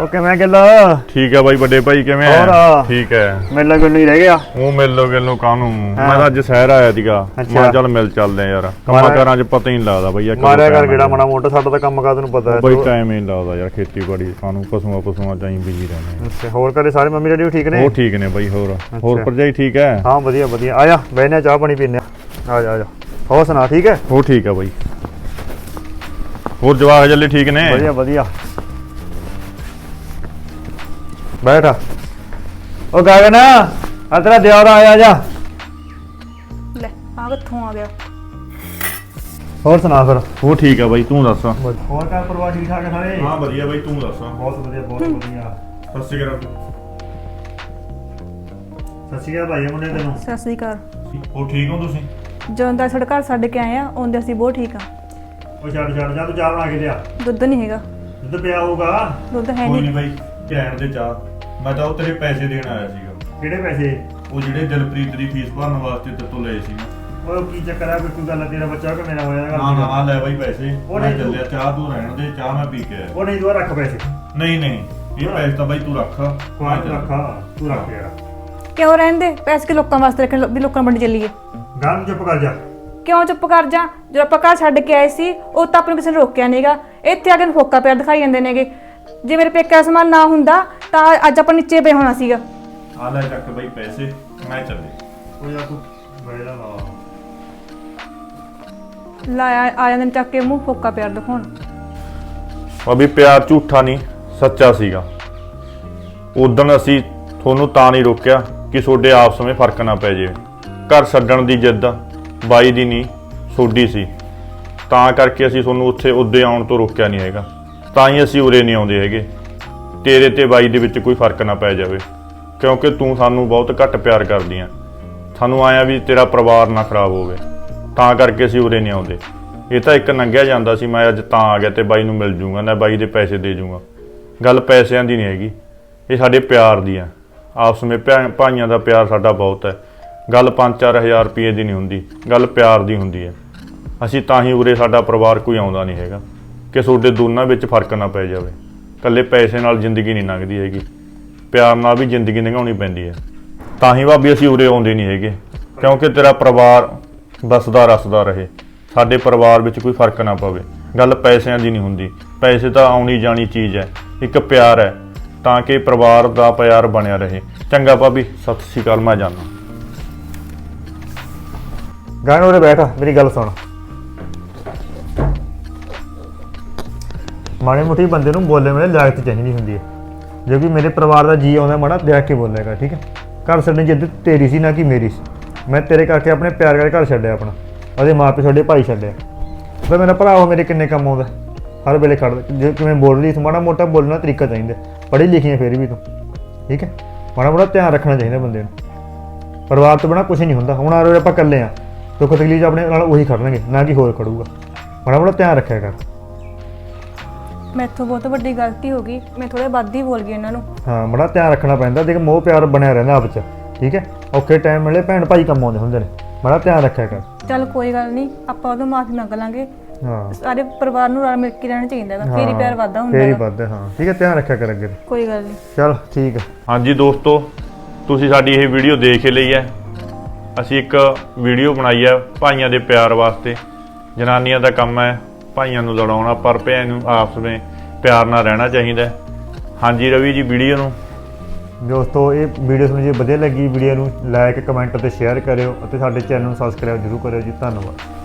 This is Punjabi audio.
ओके मैं गिल ठीक है भाई बड़े भाई किवें और ठीक है मिलना गिल नहीं रह गया ਉਹ ਮਿਲੋ ਗਿਲੋ ਕਾਹਨੂੰ ਮੈਂ ਤਾਂ ਅੱਜ ਸ਼ਹਿਰ ਆਇਆ ਸੀਗਾ ਮੈਂ ਚੱਲ ਮਿਲ ਚੱਲਦੇ ਯਾਰ ਕੰਮਾਂ ਕਾਰਾਂ 'ਚ ਪਤਾ ਹੀ ਨਹੀਂ ਲੱਗਦਾ ਬਈ ਮਾਰਿਆ ਕਰ ਗੇੜਾ ਮਾੜਾ ਮੋਟਾ ਸਾਡਾ ਤਾਂ ਕੰਮ ਕਾ ਤੈਨੂੰ ਪਤਾ ਹੈ ਬਈ ਟਾਈਮ ਹੀ ਨਹੀਂ ਲੱਗਦਾ ਯਾਰ ਖੇਤੀਬਾੜੀ ਸਾਨੂੰ ਪਸ਼ੂਆਂ ਚਾਹੀਂ ਬਿਜੀ ਰਹਿੰਦੇ ਅੱਛਾ ਹੋਰ ਘਰੇ ਸਾਰੇ ਮੰਮੀ ਡੈਡੀ ਠੀਕ ਨੇ ਉਹ ਠੀਕ ਨੇ ਬਈ ਹੋਰ ਭਰਜਾਈ ਠੀਕ ਹੈ ਹਾਂ ਵਧੀਆ ਵਧੀਆ ਆ ਜਾ ਬਹਿਨੇ ਚਾਹ ਪਾਣੀ ਪੀਨੇ ਆ ਜਾ ਹੋਰ ਸੁਣਾ ਠੀਕ ਹੈ ਉਹ ਠੀਕ ਹੈ ਬਈ ਹੋਰ ਜਵਾਕ ਜੱਲੇ ਠੀਕ ਨੇ ਵਧੀਆ ਵਧੀਆ बैठ ओ गगन आ तेरा देवर आया जा ले आ कित्थों आ गया और सुना फिर ਉਹ ਠੀਕ ਹੈ ਬਈ ਤੂੰ ਦੱਸ और का परिवार ठीक ठाक है सारे ਹਾਂ ਵਧੀਆ ਬਈ ਤੂੰ ਦੱਸ बहुत बढ़िया ਸਤਿ ਸ਼੍ਰੀ ਅਕਾਲ सत श्री अकाल भाई मुंडे तेनू सत श्री अकाल ਉਹ ਠੀਕ ਹੋ ਤੁਸੀਂ ਜਦੋਂ ਦਾ ਸਾਡੇ ਘਰ ਛੱਡ ਕੇ ਆਏ ਆ ਉਹਦੇ ਅਸੀਂ ਬਹੁਤ ਠੀਕ ਆ ओ छड़ छड़ जा तू चाह बना के लिया ਦੁੱਧ ਨਹੀਂ ਹੈਗਾ दुध पिया होगा ਦੁੱਧ ਹੈ ਕੋਈ ਨਹੀਂ ਨਹੀਂ ਬਈ ਕਹਿਣ ਦੇ ਚਾਹ ਮੈਂ ਤਾਂ ਉਹ ਤੇਰੇ ਪੈਸੇ ਦੇਣ ਆਇਆ ਸੀਗਾ किहड़े पैसे ਉਹ ਜਿਹੜੇ ਦਿਲਪ੍ਰੀਤ ਦੀ ਫੀਸ ਭਰਨ ਵਾਸਤੇ ਤੇ ਤੋਂ ਲਏ ਸੀ ओ की चक्कर है कोई गल तेरा बच्चा कि मेरा होया ਨਾ ਨਾ ਆ ਲੈ ਬਾਈ ਪੈਸੇ ਉਹ ਮੈਂ ਨਹੀਂ ਤੂੰ- ਚੱਲਿਆ ਚਾਹ ਤੂੰ ਰਹਿਣ ਦੇ ਚਾਹ ਮੈਂ ਪੀ ਕੇ ਆਇਆ ओ नहीं दुआ रख पैसे ਨਹੀਂ ਇਹ ਪੈਸੇ ਤਾਂ ਬਾਈ ਤੂੰ ਰੱਖ कोई रखा तू रख यार ਕਿਉਂ ਰਹਿੰਦੇ ਪੈਸੇ ਕਿ ਲੋਕਾਂ ਵਾਸਤੇ ਰੱਖਣ ਵੀ ਲੋਕਾਂ ਮੰਡੀ ਚੱਲੀਏ गाल चुप कर जा ਕਿਉਂ ਚੁੱਪ ਕਰ ਜਾ ਜਦੋਂ ਆਪਾਂ ਘਰ ਛੱਡ ਕੇ ਆਏ ਸੀ ਉਹ ਤਾਂ ਆਪਾਂ ਨੂੰ ਕਿਸੇ ਨੇ ਰੋਕਿਆ ਨਹੀਂਗਾ ਇੱਥੇ ਆ ਕੇ ਫੋਕਾ ਪਿਆਰ ਦਿਖਾਈ ਜਾਂਦੇ ਨੇਗੇ ਜੇ ਮੇਰੇ ਪੇਕੇ ਦਾ ਸਮਾਨ ਨਾ ਹੁੰਦਾ ਤਾਂ ਅੱਜ ਆਪਾਂ ਨੀਚੇ ਪਏ ਹੋਣਾ ਸੀਗਾ ਆ ਲੈ ਚੱਕ ਬਾਈ ਪੈਸੇ ਮੈਂ ਚੱਲੇ ओ यार तू बैठा ला ਲਾਇਆ ਆ ਜਾਂਦੇ ਨੇ ਚੱਕ ਕੇ ਮੂੰਹ ਫੋਕਾ ਪਿਆਰ ਦਿਖਾਉਣ ਅਭੀ ਪਿਆਰ ਝੂਠਾ ਨਹੀਂ ਸੱਚਾ ਸੀਗਾ ਉਦੋਂ ਅਸੀਂ ਤੁਹਾਨੂੰ ਤਾਂ ਨਹੀਂ ਰੋਕਿਆ ਕਿ ਤੁਹਾਡੇ ਆਪਸ ਵਿੱਚ ਫਰਕ ਨਾ ਪੈ ਜਾਵੇ ਘਰ ਛੱਡਣ ਦੀ ਜਿੱਦ ਬਾਈ ਦੀ ਨਹੀਂ ਸੋਡੀ ਸੀ ਤਾਂ ਕਰਕੇ ਅਸੀਂ ਤੁਹਾਨੂੰ ਉੱਥੇ ਉੱਦੇ ਆਉਣ ਤੋਂ ਰੋਕਿਆ ਨਹੀਂ ਹੈਗਾ ਤਾਂ ਹੀ ਅਸੀਂ ਉਰੇ ਨਹੀਂ ਆਉਂਦੇ ਹੈਗੇ ਤੇਰੇ ਤੇ ਬਾਈ ਦੇ ਵਿੱਚ ਕੋਈ ਫਰਕ ਨਾ ਪੈ ਜਾਵੇ ਕਿਉਂਕਿ ਤੂੰ ਸਾਨੂੰ ਬਹੁਤ ਘੱਟ ਪਿਆਰ ਕਰਦੀ ਆ ਸਾਨੂੰ ਆਇਆ ਵੀ ਤੇਰਾ ਪਰਿਵਾਰ ਨਾ ਖਰਾਬ ਹੋਵੇ ਤਾਂ ਕਰਕੇ ਅਸੀਂ ਉਰੇ ਨਹੀਂ ਆਉਂਦੇ ਇਹ ਤਾਂ ਇੱਕ ਲੰਘਿਆ ਜਾਂਦਾ ਸੀ ਮੈਂ ਅੱਜ ਤਾਂ ਆ ਗਿਆ ਤੇ ਬਾਈ ਨੂੰ ਮਿਲ ਜੂੰਗਾ ਨਾ ਬਾਈ ਦੇ ਪੈਸੇ ਦੇ ਜੂੰਗਾ ਗੱਲ ਪੈਸਿਆਂ ਦੀ ਨਹੀਂ ਹੈਗੀ ਇਹ ਸਾਡੇ ਪਿਆਰ ਦੀ ਆ ਆਪਸ ਵਿੱਚ ਭਾਈਆਂ ਦਾ ਪਿਆਰ ਸਾਡਾ ਬਹੁਤ ਹੈ ਗੱਲ 5-4 ਰੁਪਏ ਦੀ ਨਹੀਂ ਹੁੰਦੀ ਗੱਲ ਪਿਆਰ ਦੀ ਹੁੰਦੀ ਹੈ ਅਸੀਂ ਤਾਂ ਹੀ ਉਰੇ ਸਾਡਾ ਪਰਿਵਾਰ ਕੋਈ ਆਉਂਦਾ ਨਹੀਂ ਹੈਗਾ ਕਿ ਤੁਹਾਡੇ ਦੋਨਾਂ ਵਿੱਚ ਫਰਕ ਨਾ ਪੈ ਜਾਵੇ ਇਕੱਲੇ ਪੈਸੇ ਨਾਲ ਜ਼ਿੰਦਗੀ ਨਹੀਂ ਲੰਘਦੀ ਹੈਗੀ ਪਿਆਰ ਨਾਲ ਵੀ ਜ਼ਿੰਦਗੀ ਲੰਘਾਉਣੀ ਪੈਂਦੀ ਹੈ ਤਾਂ ਹੀ ਭਾਬੀ ਅਸੀਂ ਉਰੇ ਆਉਂਦੇ ਨਹੀਂ ਹੈਗੇ ਕਿਉਂਕਿ ਤੇਰਾ ਪਰਿਵਾਰ ਬਸਦਾ ਰਸਦਾ ਰਹੇ ਸਾਡੇ ਪਰਿਵਾਰ ਵਿੱਚ ਕੋਈ ਫਰਕ ਨਾ ਪਵੇ ਗੱਲ ਪੈਸਿਆਂ ਦੀ ਨਹੀਂ ਹੁੰਦੀ ਪੈਸੇ ਤਾਂ ਆਉਣੀ ਜਾਣੀ ਚੀਜ਼ ਹੈ ਇੱਕ ਪਿਆਰ ਹੈ ਤਾਂ ਕਿ ਪਰਿਵਾਰ ਦਾ ਪਿਆਰ ਬਣਿਆ ਰਹੇ ਚੰਗਾ ਭਾਬੀ ਸਤਿ ਸ਼੍ਰੀ ਅਕਾਲ ਮੈਂ ਜਾਣਾ गाने उरे बैठ मेरी गल सुन माड़ी मोटी बंदे नूं बोलने में लियाकत चाहिदी हुंदी है जो कि मेरे परिवार का जी आउंदा माड़ा देख के बोलेगा ठीक है घर छड्डण जिद्द तेरी सी ना कि मेरी सी मैं तेरे करके अपने प्यार करके घर छड्डिया अपना ਉਹਦੇ ਮਾਂ ਪਿਓ ਛੱਡੇ ਭਾਈ ਛੱਡਿਆ ਫਿਰ ਮੇਰਾ ਭਰਾ ਉਹ ਮੇਰੇ ਕਿੰਨੇ ਕੰਮ ਆਉਂਦਾ ਹਰ ਵੇਲੇ ਖੜਦਾ ਜੇ ਕਿਵੇਂ ਬੋਲ ਰਹੀ ਤੂੰ ਮਾੜਾ ਮੋਟਾ ਬੋਲਣਾ ਤਰੀਕਾ ਚਾਹੀਦਾ ਪੜ੍ਹੀ ਲਿਖੀ ਹੈ ਫਿਰ ਵੀ ਤੂੰ ਠੀਕ ਹੈ ਮਾੜਾ ਮੋਟਾ ਧਿਆਨ ਰੱਖਣਾ ਚਾਹੀਦਾ ਬੰਦੇ ਨੂੰ ਪਰਿਵਾਰ ਤੋਂ ਬਿਨਾਂ ਕੁਝ ਨਹੀਂ ਹੁੰਦਾ ਹੁਣ ਆ ਰਹੇ ਆਪਾਂ ਇਕੱਲੇ ਆ ਦੁੱਖ ਤਕਲੀਫ ਆਪਣੇ ਨਾਲ ਉਹੀ ਖੜਨਗੇ ਨਾ ਕਿ ਹੋਰ ਖੜੂਗਾ ਮਾੜਾ ਮੋਟਾ ਧਿਆਨ ਰੱਖਿਆ ਕਰ ਮੈਥੋਂ ਬਹੁਤ ਵੱਡੀ ਗਲਤੀ ਹੋ ਗਈ ਮੈਂ ਥੋੜੇ ਵੱਧ ਹੀ ਬੋਲ ਗਈ ਇਹਨਾਂ ਨੂੰ ਹਾਂ ਬੜਾ ਧਿਆਨ ਰੱਖਣਾ ਪੈਂਦਾ ਦੇਖ ਮੋਹ ਪਿਆਰ ਬਣਿਆ ਰਹਿੰਦਾ ਆਪ 'ਚ ਠੀਕ ਹੈ ਔਖੇ ਟਾਈਮ ਵੇਲੇ ਭੈਣ ਭਾਈ ਕੰਮ ਆਉਂਦੇ ਹੁੰਦੇ ਨੇ ਬੜਾ ਧਿਆਨ ਰੱਖਿਆ ਕਰ ਚੱਲ ਕੋਈ ਗੱਲ ਨਹੀਂ ਆਪਾਂ ਉਹਦੋਂ ਮਾਫੀ ਮੰਗ ਲਾਂਗੇ ਹਾਂ ਸਾਰੇ ਪਰਿਵਾਰ ਨੂੰ ਰਲ ਮਿਲ ਕੇ ਰਹਿਣਾ ਚਾਹੀਦਾ ਹੈਗਾ ਫੇਰ ਹੀ ਪਿਆਰ ਵੱਧਦਾ ਹੁੰਦਾ ਫੇਰ ਹੀ ਹੈਗਾ ਵੱਧਦਾ ਹਾਂ ਠੀਕ ਹੈ ਧਿਆਨ ਰੱਖਿਆ ਕਰ ਅੱਗੇ ਕੋਈ ਗੱਲ ਨਹੀਂ ਚਲ ਠੀਕ ਹੈ ਹਾਂਜੀ ਦੋਸਤੋ ਤੁਸੀਂ ਸਾਡੀ ਇਹ ਵੀਡੀਓ ਦੇਖ ਲਈ ਹੈ ਅਸੀਂ ਇੱਕ ਵੀਡੀਓ ਬਣਾਈ ਹੈ ਭਾਈਆਂ ਦੇ ਪਿਆਰ ਵਾਸਤੇ ਜਨਾਨੀਆਂ ਦਾ ਕੰਮ ਹੈ ਭਾਈਆਂ ਨੂੰ ਲੜਾਉਣਾ ਪਰ ਭੈਣ ਨੂੰ ਆਪਸ ਵਿੱਚ ਪਿਆਰ ਨਾਲ ਰਹਿਣਾ ਚਾਹੀਦਾ ਹਾਂਜੀ ਰਵੀ ਜੀ ਵੀਡੀਓ ਨੂੰ ਦੋਸਤੋ ਇਹ ਵੀਡੀਓ ਤੁਹਾਨੂੰ ਜੇ ਵਧੀਆ ਲੱਗੀ ਵੀਡੀਓ ਨੂੰ ਲਾਈਕ ਕਮੈਂਟ ਅਤੇ ਸ਼ੇਅਰ ਕਰਿਓ ਅਤੇ ਸਾਡੇ ਚੈਨਲ ਨੂੰ ਸਬਸਕ੍ਰਾਈਬ ਜ਼ਰੂਰ ਕਰਿਓ ਜੀ ਧੰਨਵਾਦ।